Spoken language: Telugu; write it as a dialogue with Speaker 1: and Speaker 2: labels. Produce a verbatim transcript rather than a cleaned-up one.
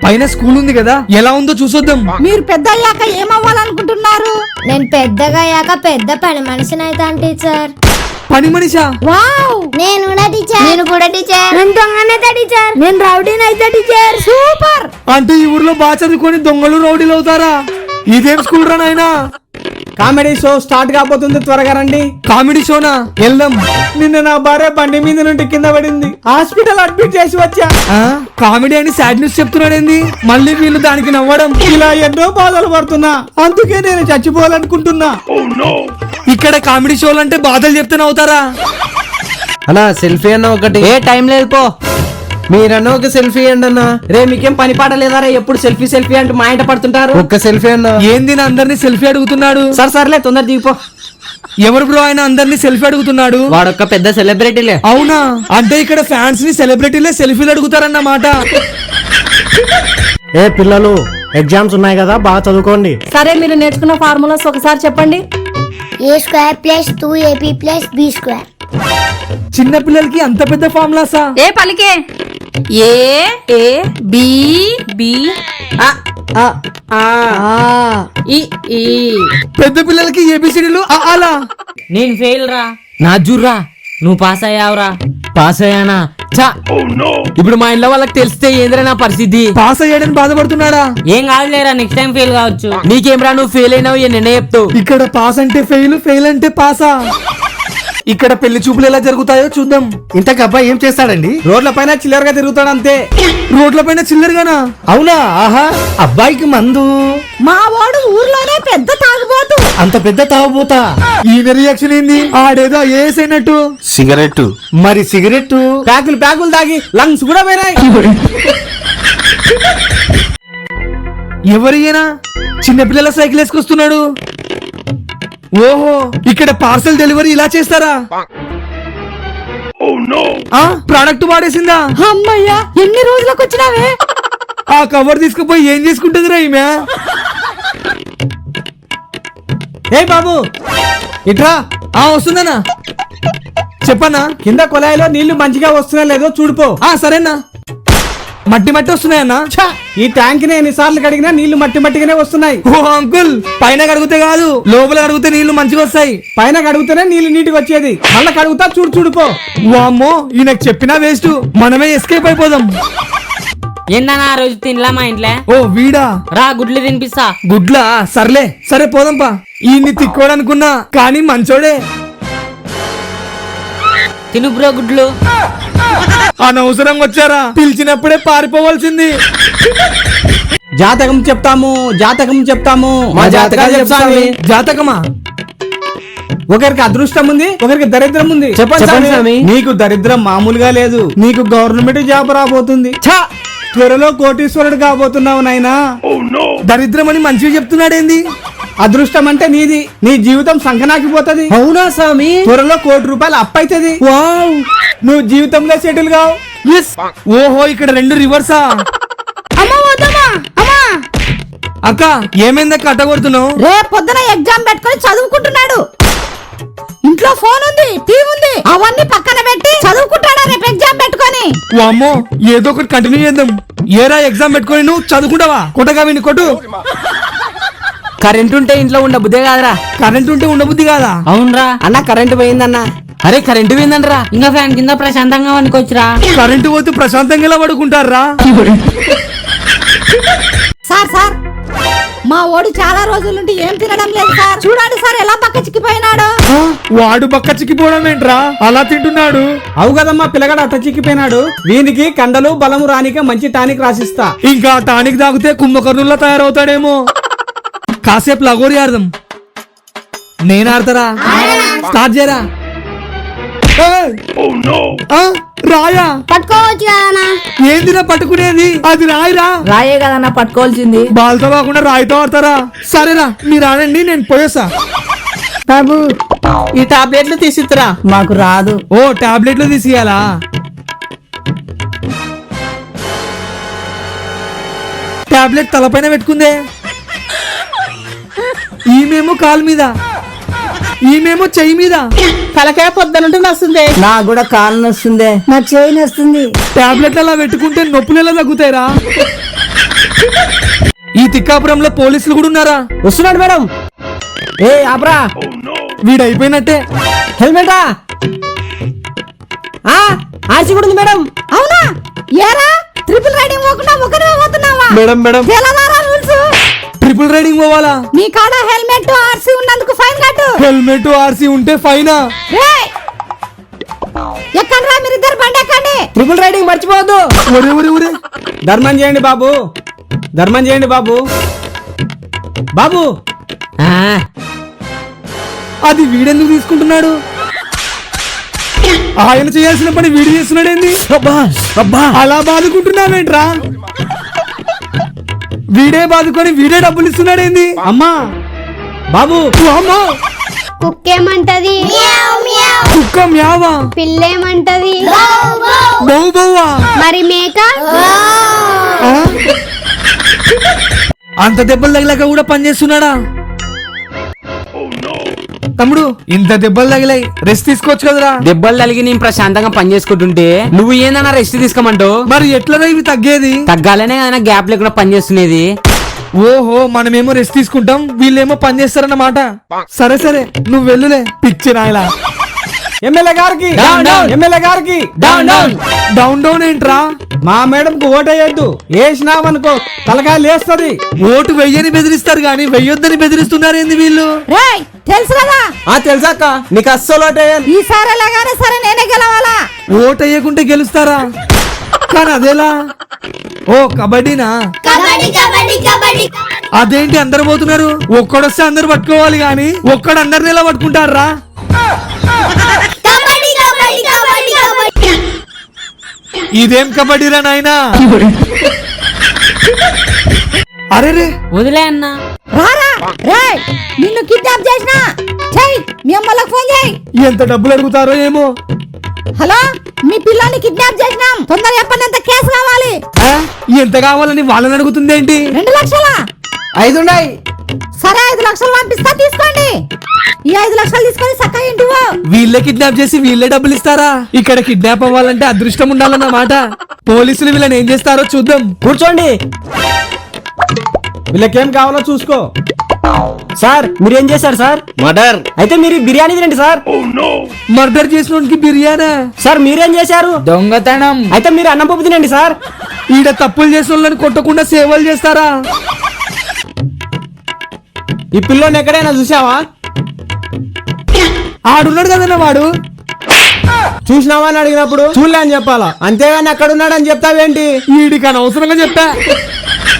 Speaker 1: పైన స్కూల్ ఉంది కదా, ఎలా ఉందో చూసొద్దాం.
Speaker 2: మీరు పెద్ద అయ్యాక ఏమవ్వాలనుకుంటున్నారు?
Speaker 3: నేను పెద్దగా అయ్యాక పెద్ద పని మనిషిని అవుతాను టీచర్.
Speaker 1: పని మనిషా?
Speaker 2: వావ్.
Speaker 3: నేను కూడా టీచర్. నేను కూడా టీచర్. నేను దొంగనైతే టీచర్.
Speaker 2: నేను రౌడీని అయితే టీచర్. సూపర్.
Speaker 1: అంటే ఈ ఊర్లో బాగా చదువుకొని దొంగలు రౌడీలు అవుతారా? ఇదేం స్కూల్ రా నాయనా?
Speaker 4: కామెడీ షో స్టార్ట్ కాబోతుంది, త్వరగా రండి.
Speaker 1: కామెడీ షోనా? వెళ్దాం.
Speaker 4: నిన్న నా భార్య బండి మీద నుండి కింద పడింది, హాస్పిటల్ అడ్మిట్ చేసి వచ్చా.
Speaker 1: ఆ, కామెడీ అని సాడ్ న్యూస్ చెప్తున్నాడేంది? మళ్ళీ వీళ్ళు దానికి నవ్వడం.
Speaker 4: ఇలా ఎన్నో బాధలు పడుతున్నా, అందుకే నేను చచ్చిపోవాలనుకుంటున్నా.
Speaker 1: ఇక్కడ కామెడీ షోలు అంటే బాధలు చెప్తే నవ్వుతారా?
Speaker 5: అన్నా సెల్ఫీ అన్న ఒకటి. ఏ టైం లేదు పో, మీరన్నా ఒక సెల్ఫీ అండి అన్న.
Speaker 4: రే మీకేం పని పాట లేదారా? ఎప్పుడు సెల్ఫీ సెల్ఫీ అంటూ మా ఇంట పడుతుంటారు.
Speaker 5: ఒక్క సెల్ఫీ అన్న.
Speaker 1: ఏంది నా అందరినీ సెల్ఫీ అడుగుతున్నాడు?
Speaker 4: సరే సర్లే, తొందర దిగిపో.
Speaker 1: ఎవరు బ్రో ఆయన అందరినీ సెల్ఫీ అడుగుతున్నాడు?
Speaker 5: వాడొక్క పెద్ద సెలబ్రిటీలే.
Speaker 1: అవునా? అంటే ఇక్కడ ఫ్యాన్స్ ని సెలబ్రిటీలే సెల్ఫీలు అడుగుతారన్నమాట.
Speaker 6: ఏ పిల్లలు, ఎగ్జామ్స్ ఉన్నాయి కదా, బాగా చదువుకోండి.
Speaker 2: సరే, మీరు నేర్చుకున్న ఫార్ములాస్ ఒకసారి చెప్పండి.
Speaker 3: A square plus two a b plus b square.
Speaker 1: చిన్న పిల్లలకి అంత పెద్ద ఫార్ములాసా?
Speaker 2: ఏ పలికే? ఏ ఏ బి బి ఆ ఆ ఆ ఈ ఈ.
Speaker 1: పెద్ద పిల్లలకి ఏబిసిడీలు అలా.
Speaker 7: నేను ఫెయిల్ రా. నా జుర్రా, నువ్వు పాస్ అయ్యావురా. పాస్ అయ్యానా? చా, ఇప్పుడు మా ఇంట్లో వాళ్ళకి తెలిస్తే ఏంద్రా నా పరిస్థితి?
Speaker 1: పాస్ అయ్యాడని బాధపడుతున్నాడా?
Speaker 7: ఏం కాదులేరా, నెక్స్ట్ టైం ఫెయిల్ కావచ్చు. నీకేంరా, నువ్వు ఫెయిల్ అయినావు, నిన్నే చెప్తావు.
Speaker 1: ఇక్కడ పాస్ అంటే ఫెయిల్, ఫెయిల్ అంటే పాసా? ఇక్కడ పెళ్లి చూపులు ఎలా జరుగుతాయో చూద్దాం.
Speaker 6: ఇంతకు అబ్బాయి ఏం చేస్తాడండి?
Speaker 4: రోడ్ల పైన చిల్లరగా తిరుగుతాడు అంతే.
Speaker 1: రోడ్ల పైన చిల్లరగానా?
Speaker 6: అవునా? ఆహా, అబ్బాయికి మందు.
Speaker 2: మా వాడు ఊర్లోనే పెద్ద తాగుబోతు.
Speaker 6: అంత పెద్ద తాగుబోతా?
Speaker 1: ఈయన రియాక్షన్ ఏంది? ఆడేదో ఐఏఎస్ అయినట్టు.
Speaker 6: సిగరెట్ మరి సిగరెట్
Speaker 4: ప్యాకులు ప్యాకులు తాగి లంగ్స్ కూడా పోయినాయి.
Speaker 1: ఎవరియనా చిన్నపిల్లల సైకిల్ వేసుకొస్తున్నాడు? ఓహో, ఇక్కడ పార్సల్ డెలివరీ ఇలా చేస్తారా? ఆ, ప్రోడక్ట్ వాడేసిందా?
Speaker 2: అమ్మయ్యా, ఎన్ని రోజులకు వచ్చినావే?
Speaker 1: ఆ కవర్ తీసుకుపోయి ఏం చేసుకుంటుందిరా ఈమె?
Speaker 4: ఏ బాబు ఇట్రా.
Speaker 1: ఆ వస్తుందనా? చెప్పన్నా.
Speaker 4: కింద కొలాయిలో నీళ్లు మంచిగా వస్తున్నా లేదో చూడిపో.
Speaker 1: ఆ సరేనా. మట్టి మట్టి వస్తున్నాయన్నా.
Speaker 4: ఈ ట్యాంక్ ని ఎన్నిసార్లు కడిగినా నీళ్లు మట్టి మట్టిగానే వస్తున్నాయి.
Speaker 1: ఓ అంకుల్, పైన కడిగితే కాదు, లోపల కడిగితే నీళ్లు మంచిగా వస్తాయి.
Speaker 4: పైన కడుగుతూనే నీళ్లు నీటికి వచ్చేది, మళ్ళా కడుగుతా చూడు చూడిపో.
Speaker 1: వామ్మో, ఈయనకు చెప్పినా వేస్ట్, మనమే ఎస్కేప్ అయిపోదాం.
Speaker 7: ఏందన్నా ఆ రోజు తినలా మా ఇంట్లో?
Speaker 1: ఓ వీడా?
Speaker 7: రా, గుడ్లు తినిపిస్తా.
Speaker 1: గుడ్లా? సర్లే, సరే పోదాంపా. ఈయన్ని తిక్కోడనుకున్నా కానీ మంచోడే.
Speaker 7: తిను బ్రో గుడ్లు.
Speaker 1: అనవసరంగా వచ్చారా? పిలిచినప్పుడే పారిపోవాల్సింది.
Speaker 4: జాతకం చెప్తాము, జాతకం చెప్తాము, మా జాతకాలు చెప్తాము.
Speaker 1: జాతకమా?
Speaker 4: ఒకరికి అదృష్టం ఉంది, ఒకరికి దరిద్రం ఉంది.
Speaker 5: చెప్పండి స్వామి.
Speaker 4: నీకు దరిద్రం మామూలుగా లేదు, నీకు గవర్నమెంట్ జాబ్ రాబోతుంది. ఛా, త్వరలో కోటీశ్వరుడు కాబోతున్నావు నాయనా.
Speaker 1: దరిద్రం అని మంచిగా చెప్తున్నాడేంది?
Speaker 4: అదృష్టం అంటే నీది, నీ జీవితం సంకనాకిపోతది.
Speaker 5: అవునా స్వామి?
Speaker 4: త్వరలో కోటి రూపాయలు అప్పైతది.
Speaker 1: వావ్,
Speaker 4: నువ్వు జీవితంలో సెటిల్ కావు.
Speaker 1: ఎస్. ఓహో, ఇక్కడ రెండు రివర్సా? అక్క ఏమైందక్క అట్ట కొడుతున్నావు?
Speaker 2: రేపు పొద్దున ఎగ్జామ్ పెట్టుకొని చదువుకుంటున్నాడు. ఇంట్లో ఫోన్ ఉంది, టీవీ ఉంది, అవన్నీ పక్కన పెట్టి చదువుకుంటాడా రేపు ఎగ్జామ్ పెట్టుకొని?
Speaker 1: వామ్మో, ఏదో ఒకటి కంటిన్యూ చేద్దాం. ఏరా ఎగ్జామ్ పెట్టుకొని నువ్వు చదువుకుంటావా? కొట్టగా విని కొట్టు.
Speaker 7: కరెంట్ ఉంటే ఇంట్లో ఉండ బుద్ధే కాదురా.
Speaker 1: కరెంట్ ఉంటే ఉండబుద్ధి కాదా?
Speaker 7: అవునరా.
Speaker 4: అన్న కరెంట్ పోయిందన్న.
Speaker 7: అరే కరెంటు పోయిందంటరా, ఇంకా ఫ్యాన్ కింద ప్రశాంతంగా వండుకోవచ్చురా.
Speaker 1: కరెంటు పోతే ప్రశాంతంగా ఎలా పడుకుంటారా?
Speaker 2: సార్ సార్, మా ఓడి చాలా రోజుల నుండి ఏం తినడం లేదు సార్. చూడండి సార్ ఎలా పక్క చిక్కిపోయినాడు.
Speaker 1: వాడు బక్క చిక్కిపోవడం ఏంట్రా, అలా తింటున్నాడు?
Speaker 4: అవు కదమ్మా, పిల్లగాడు అట్ట చిక్కిపోయినాడు. వీనికి కండలు బలము రానికే మంచి టానిక్ రాసిస్తా.
Speaker 1: ఇంకా టానిక్ తాగితే కుంభకర్ణుల్లా తయారవుతాడేమో. కాసేపు లగోరి ఆడదాం. నేను ఆడతారా? స్టార్ట్ చేయరా. రాయా
Speaker 3: పట్టుకోవచ్చు కదా.
Speaker 1: ఏందిరా పట్టుకునేది? అది రాయిరా.
Speaker 2: రాయే కదన్నా పట్టుకోవాల్సింది.
Speaker 1: బాల్తో కాకుండా రాయితో ఆడతారా? సరేరా, మీరు ఆడండి, నేను పోయేసా.
Speaker 4: బాబు ఈ టాబ్లెట్లు తీసిరా.
Speaker 2: మాకు రాదు.
Speaker 1: ఓ టాబ్లెట్లు తీసియాలా? టాబ్లెట్ తలపైన పెట్టుకుందే. ఈమెమో కాలు మీద, ఈమెమో చెయ్యి మీద.
Speaker 4: తలకాయ పొద్దునంటే వస్తుంది.
Speaker 2: నాకు కూడా కాలు నొస్తుంది, నా చేయి నొస్తుంది.
Speaker 1: టాబ్లెట్లు అలా పెట్టుకుంటే నొప్పులు ఎలా తగ్గుతాయిరా? ఈ తిక్కాపురంలో పోలీసులు కూడా ఉన్నారా?
Speaker 5: వస్తున్నాడు మేడం. ఏ ఆపరా,
Speaker 1: వీడైపోయినట్టే.
Speaker 5: హెల్మెటా? ఆ ఆర్సీ కూడా ఉంది మేడం.
Speaker 2: అవునా? ఏరా ట్రిపుల్ రైడింగ్ పోకుండా ఒకరే పోతున్నావా?
Speaker 1: మేడం మేడం
Speaker 2: తెలవారా రూల్స్?
Speaker 1: ట్రిపుల్ రైడింగ్ పోవాలా?
Speaker 2: నీ కాడ హెల్మెట్ ఆర్సీ ఉన్నందుకు ఫైన్ కట్టు.
Speaker 1: హెల్మెట్ ఆర్సీ ఉంటే ఫైనా?
Speaker 2: రేయ్! ఎక్కండ్రా మీరిద్దరు బండి ఎక్కండి.
Speaker 5: ట్రిపుల్ రైడింగ్ మర్చిపోవద్దు.
Speaker 1: ఒరే ఒరే ఒరే
Speaker 4: ధర్మం చేయండి బాబు, ధర్మం చేయండి బాబు. బాబు
Speaker 7: ఆ,
Speaker 1: అది వీడెందుకు తీసుకుంటున్నాడు? ఆయన చేయాల్సిన పని వీడు చేస్తున్నాడేంది? అలా బాదుకుంటున్నావేంట్రా? వీడే బాదుకొని వీడే డబ్బులు ఇస్తున్నాడేంది?
Speaker 4: అమ్మా బాబు
Speaker 1: ఓ అమ్మా!
Speaker 3: కుక్కేమంటది?
Speaker 1: కుక్క మ్యావా?
Speaker 3: పిల్లేమంటది?
Speaker 1: బౌ బౌవా?
Speaker 3: మరి మేక?
Speaker 1: ఆ? అంత దెబ్బలు తగిలాక కూడా పని చేస్తున్నాడా? తమ్ముడు ఇంత దెబ్బలు తగిలాయి, రెస్ట్ తీసుకోవచ్చు కదరా?
Speaker 7: దెబ్బలు తలిగి నేను ప్రశాంతంగా పని చేసుకుంటుంటే నువ్వు ఏందన్నా రెస్ట్ తీసుకోమంటావు?
Speaker 1: మరి ఎట్లా ఇవి తగ్గేది?
Speaker 7: తగ్గాలనే కదా గ్యాప్ లేకుండా పని చేస్తున్నది.
Speaker 1: ఓహో, మనమేమో రెస్ట్ తీసుకుంటాం, వీళ్ళేమో పని చేస్తారన్నమాట. సరే సరే నువ్వు వెళ్ళులే పిచ్చి నాయలా.
Speaker 4: ఎమ్మెల్యే గారికి,
Speaker 7: Down, down.
Speaker 4: ఎమ్మెల్యే గారికి
Speaker 7: డౌన్ డౌన్
Speaker 1: డౌన్ డౌన్ ఏంట్రా?
Speaker 4: మా మేడం కు ఓటేయద్దు, వేసినామనుకో తలకాయ లేస్తది.
Speaker 1: ఓటు వెయ్యని బెదిరిస్తారు గాని వెయ్యొద్దని బెదిరిస్తున్నారేంది వీళ్ళు?
Speaker 2: రేయ్ తెలుసు కదా,
Speaker 5: ఆ తెలుసాక నీకు అస్సలు ఓటేయను.
Speaker 2: ఈసారి ఎలాగానే సరే నేనే గెలవాలా.
Speaker 1: ఓటు వేయకుంటే గెలుస్తారా? కానీ అదేలా? ఓ కబడ్డీనా? అదేంటి అందరు పోతున్నారు? ఒక్కడొస్తే అందరు పట్టుకోవాలి గాని ఒక్కడు అందరిని ఎలా పట్టుకుంటారా? ఇదేం కబడ్డీరా నాయనా? అరే రే
Speaker 7: వదిలే అన్నా.
Speaker 2: రారా రేయ్, నిన్ను కిడ్నాప్ చేసిన చెయ్, మీ అమ్మలకు ఫోన్ చేయి.
Speaker 1: ఎంత డబ్బులు అడుగుతారో ఏమో.
Speaker 2: హలో, మీ పిల్లని కిడ్నాప్ చేసినాం, తొందరగా చెప్పండి ఎంత కేసు కావాలి.
Speaker 1: ఆ? ఎంత కావాలని వాళ్ళని అడుగుతుందేంటి?
Speaker 2: రెండు లక్షలా?
Speaker 5: ఐదున్నాయి.
Speaker 2: సరే ఐదు లక్షలు పంపిస్తా, తీసుకోండి. ఈ ఐదు లక్షలు తీసుకొని చక్కగా ఇంటివో.
Speaker 1: వీళ్ళే కిడ్నాప్ చేసి వీళ్ళే డబ్బులు ఇస్తారా? ఇక్కడ కిడ్నాప్ అవ్వాలంటే అదృష్టం ఉండాలన్నమాట. పోలీసులు వీళ్ళని ఏం చేస్తారో చూద్దాం.
Speaker 5: కూర్చోండి.
Speaker 4: వీళ్ళకేం కావాలో చూసుకో.
Speaker 5: సార్ మీరేం చేశారు సార్?
Speaker 6: మర్డర్.
Speaker 5: అయితే మీరు ఈ బిర్యానీ తినండి సార్.
Speaker 1: మర్డర్ చేసిన బిర్యానా?
Speaker 5: సార్ మీరేం చేశారు?
Speaker 7: దొంగతనం.
Speaker 5: అయితే మీరు అన్నం పప్పు తినండి సార్.
Speaker 1: ఈడ తప్పులు చేసిన వాళ్ళని కొట్టకుండా సేవలు చేస్తారా?
Speaker 4: ఈ పిల్లోని ఎక్కడైనా చూసావా?
Speaker 1: ఆడున్నాడు కదన్నా వాడు.
Speaker 4: చూసినావా అని అడిగినప్పుడు చూడలే అని చెప్పాలా, అంతేగాని అక్కడ ఉన్నాడని చెప్తావేంటి?
Speaker 1: ఈడికి అనవసరంగా చెప్పా.